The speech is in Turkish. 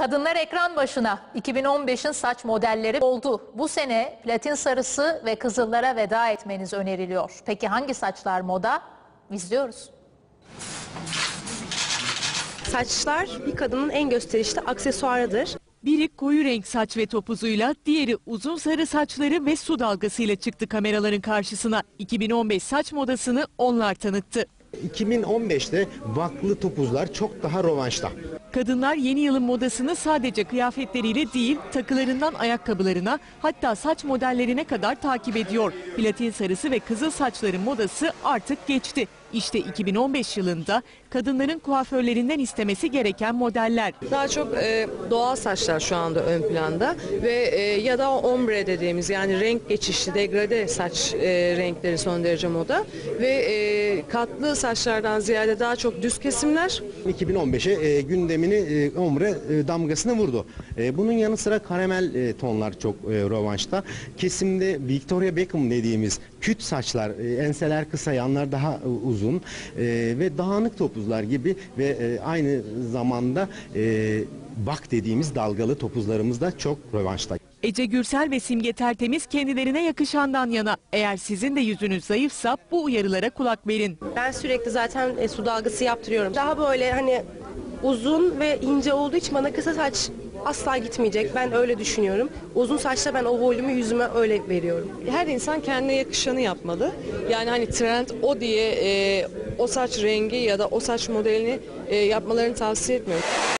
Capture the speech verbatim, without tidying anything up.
Kadınlar ekran başına. iki bin on beşin saç modelleri oldu. Bu sene platin sarısı ve kızıllara veda etmeniz öneriliyor. Peki hangi saçlar moda? İzliyoruz. Saçlar bir kadının en gösterişli aksesuarıdır. Biri koyu renk saç ve topuzuyla, diğeri uzun sarı saçları ve su dalgasıyla çıktı kameraların karşısına. iki bin on beş saç modasını onlar tanıttı. iki bin on beşte vaklı topuzlar çok daha rövanşta. Kadınlar yeni yılın modasını sadece kıyafetleriyle değil, takılarından ayakkabılarına, hatta saç modellerine kadar takip ediyor. Platin sarısı ve kızıl saçların modası artık geçti. İşte iki bin on beş yılında kadınların kuaförlerinden istemesi gereken modeller. Daha çok e, doğal saçlar şu anda ön planda ve e, ya da ombre dediğimiz, yani renk geçişli degrade saç e, renkleri son derece moda ve e, katlı saçlardan ziyade daha çok düz kesimler. iki bin on beşe e, gündemini e, ombre e, damgasını vurdu. E, bunun yanı sıra karamel e, tonlar çok e, rövanşta. Kesimde Victoria Beckham dediğimiz küt saçlar, e, enseler kısa, yanlar daha e, uzun. uzun e, ve dağınık topuzlar gibi ve e, aynı zamanda e, bak dediğimiz dalgalı topuzlarımız da çok rövanşta. Ece Gürsel ve Simge Tertemiz kendilerine yakışandan yana. Eğer sizin de yüzünüz zayıfsa bu uyarılara kulak verin. Ben sürekli zaten e, su dalgası yaptırıyorum. Daha böyle hani uzun ve ince olduğu için bana kısa saç asla gitmeyecek. Ben öyle düşünüyorum. Uzun saçla ben o volümü yüzüme öyle veriyorum. Her insan kendine yakışanı yapmalı. Yani hani trend o diye e, o saç rengi ya da o saç modelini e, yapmalarını tavsiye etmiyorum.